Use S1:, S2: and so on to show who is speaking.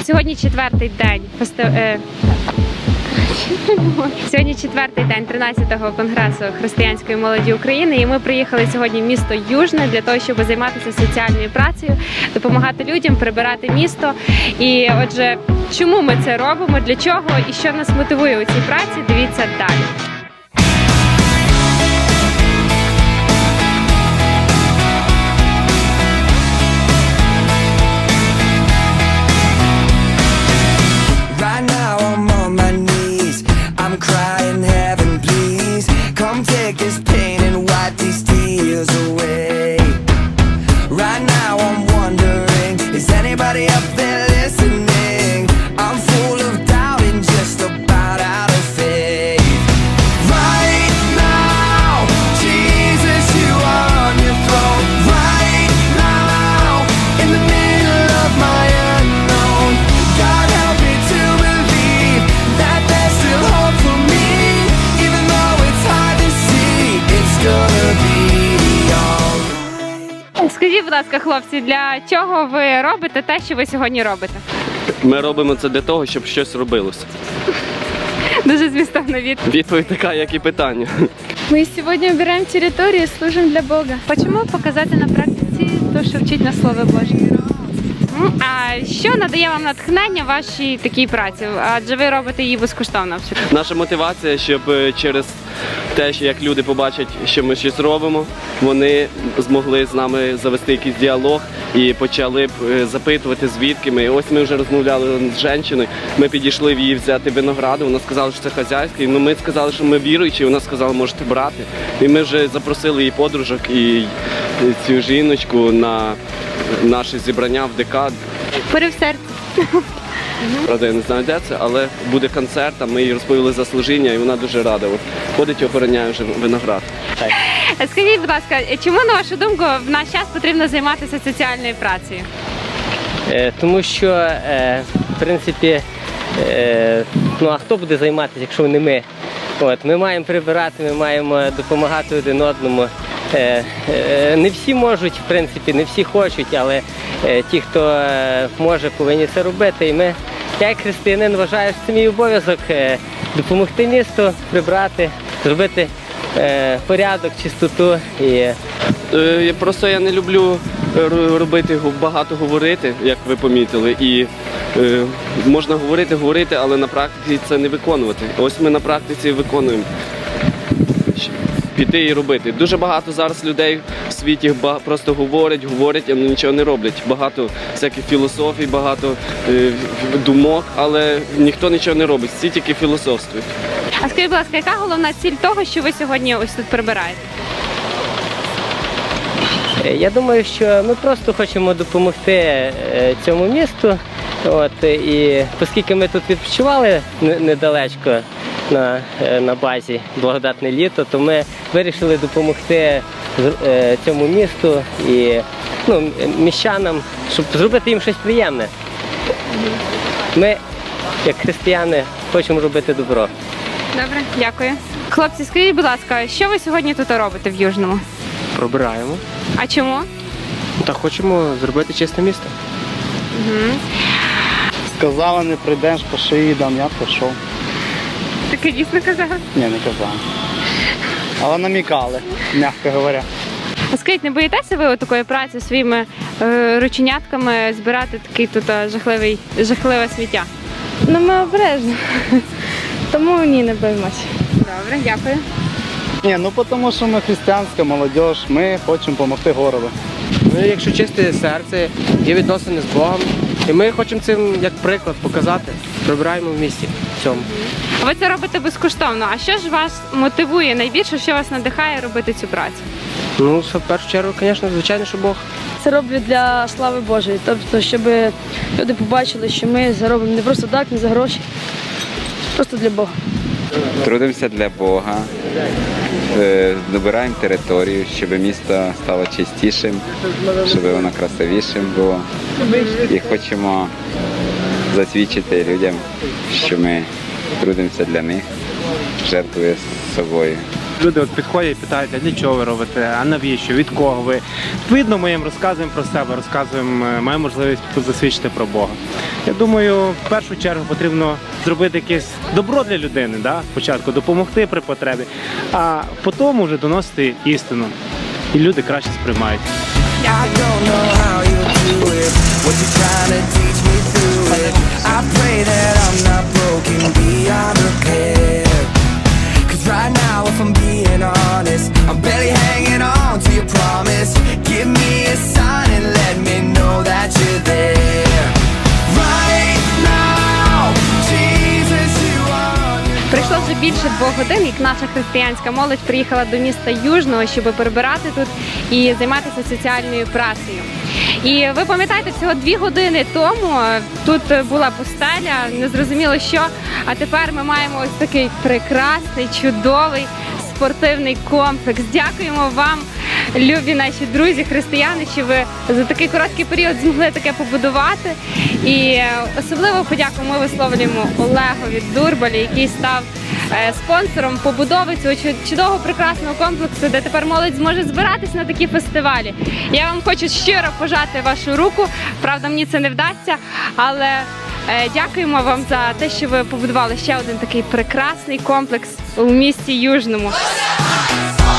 S1: Сьогодні четвертий день Сьогодні четвертий день 13-го конгресу християнської молоді України, і ми приїхали сьогодні в місто Южне для того, щоб займатися соціальною працею, допомагати людям, прибирати місто. І отже, чому ми це робимо, для чого і що нас мотивує у цій праці, дивіться далі. Скажіть, будь ласка, хлопці, для чого ви робите те, що ви сьогодні робите?
S2: Ми робимо це для того, щоб щось робилося.
S1: Дуже змістовна відповідь.
S2: Відповідь така, як і питання.
S3: Мы сегодня убираем территорию и служим для Бога.
S1: Чому показати на практиці те, що вчить на Слово Боже? А що надає вам натхнення в вашій такій праці? Адже ви робите її безкоштовно абсолютно.
S2: Наша мотивація, щоб через те, що як люди побачать, що ми щось робимо, вони змогли з нами завести якийсь діалог і почали б запитувати, звідки ми. Ось ми вже розмовляли з жінкою, ми підійшли в її взяти винограду, вона сказала, що це хазяйський, ну ми сказали, що ми віруючі, вона сказала, можете брати. І ми вже запросили її подружок і цю жіночку на наше зібрання в ДК.
S1: Порив серця.
S2: Правда, я не знаю, де це, але буде концерт, а ми їй розповіли за служіння, і вона дуже рада. От ходить і охороняє вже виноград.
S1: Скажіть, будь ласка, чому, на вашу думку, в наш час потрібно займатися соціальною працею?
S4: Тому що, в принципі, ну а хто буде займатися, якщо не ми? Ми маємо прибирати, ми маємо допомагати один одному. Не всі можуть, в принципі, не всі хочуть, але ті, хто може, повинні це робити. І ми, я як християнин, вважаю, що це мій обов'язок допомогти місту, прибрати, зробити порядок, чистоту.
S2: Просто я не люблю робити, багато говорити, як ви помітили. І можна говорити, але на практиці це не виконувати. Ось ми на практиці виконуємо. Піти і робити. Дуже багато зараз людей в світі просто говорять, а нічого не роблять. Багато всяких філософій, багато думок, але ніхто нічого не робить, всі тільки філософствують.
S1: А скажіть, будь ласка, яка головна ціль того, що ви сьогодні ось тут прибираєте?
S4: Я думаю, що ми просто хочемо допомогти цьому місту. І оскільки ми тут відпочивали недалечко на базі «Благодатне літо», то ми вирішили допомогти цьому місту і міщанам, щоб зробити їм щось приємне. Ми, як християни, хочемо робити добро.
S1: Добре, дякую. Хлопці, скажіть, будь ласка, що ви сьогодні тут робите в Южному?
S5: Пробираємо.
S1: А чому?
S5: Та хочемо зробити чисте місто.
S1: Угу.
S6: Сказала, не прийдеш, по шиї дам, я пішов.
S1: Таке дійсно казала?
S6: Ні, не казала. Але намікали, м'яко говоря.
S1: А скажіть, не боїтеся ви такої праці своїми рученятками збирати такий тут жахливе сміття?
S3: Ну, ми обережно. Тому ні, не боїмося.
S1: Добре, дякую.
S6: Ні, тому що ми християнська молодь, ми хочемо допомогти городу.
S5: Ми, якщо чисте серце, є відносини з Богом. І ми хочемо цим як приклад показати. Прибираємо в місті в цьому.
S1: Ви це робите безкоштовно. А що ж вас мотивує найбільше, що вас надихає робити цю працю?
S5: Ну, в першу чергу, звичайно, що Бог.
S3: Це роблю для слави Божої. Тобто, щоб люди побачили, що ми це робимо не просто так, не за гроші, просто для Бога.
S7: Трудимося для Бога, добираємо територію, щоб місто стало чистішим, щоб воно красивішим було. І хочемо засвідчити людям, що ми трудимося для них, жертвуємо собою.
S8: Люди от підходять і питають, а для чого ви робите, а навіщо, від кого ви. Відповідно, ми їм розказуємо про себе, маємо можливість засвідчити про Бога. Я думаю, в першу чергу потрібно зробити якесь добро для людини, да? Спочатку допомогти при потребі, а потім вже доносити істину. І люди краще сприймають.
S9: I don't know how you do it, what you trying to teach me through it. I pray that I'm not broken beyond repair. Cause right now, if I'm being honest, I'm barely hanging on to your promise. Give me a sign and let me know that you're there. Right now, Jesus, you are.
S1: Прийшло вже більше 2 годин, як наша християнська молодь приїхала до міста Южного, щоб прибирати тут і займатися соціальною працею. І ви пам'ятаєте, всього 2 години тому тут була пустеля, незрозуміло що, а тепер ми маємо ось такий прекрасний, чудовий спортивний комплекс. Дякуємо вам, любі наші друзі, християни, що ви за такий короткий період змогли таке побудувати. І особливо подяку ми висловлюємо Олегові Дурбалі, який став спонсором побудови цього чудового прекрасного комплексу, де тепер молодь зможе збиратись на такі фестивалі. Я вам хочу щиро пожати вашу руку, правда, мені це не вдасться, але дякуємо вам за те, що ви побудували ще один такий прекрасний комплекс у місті Южному.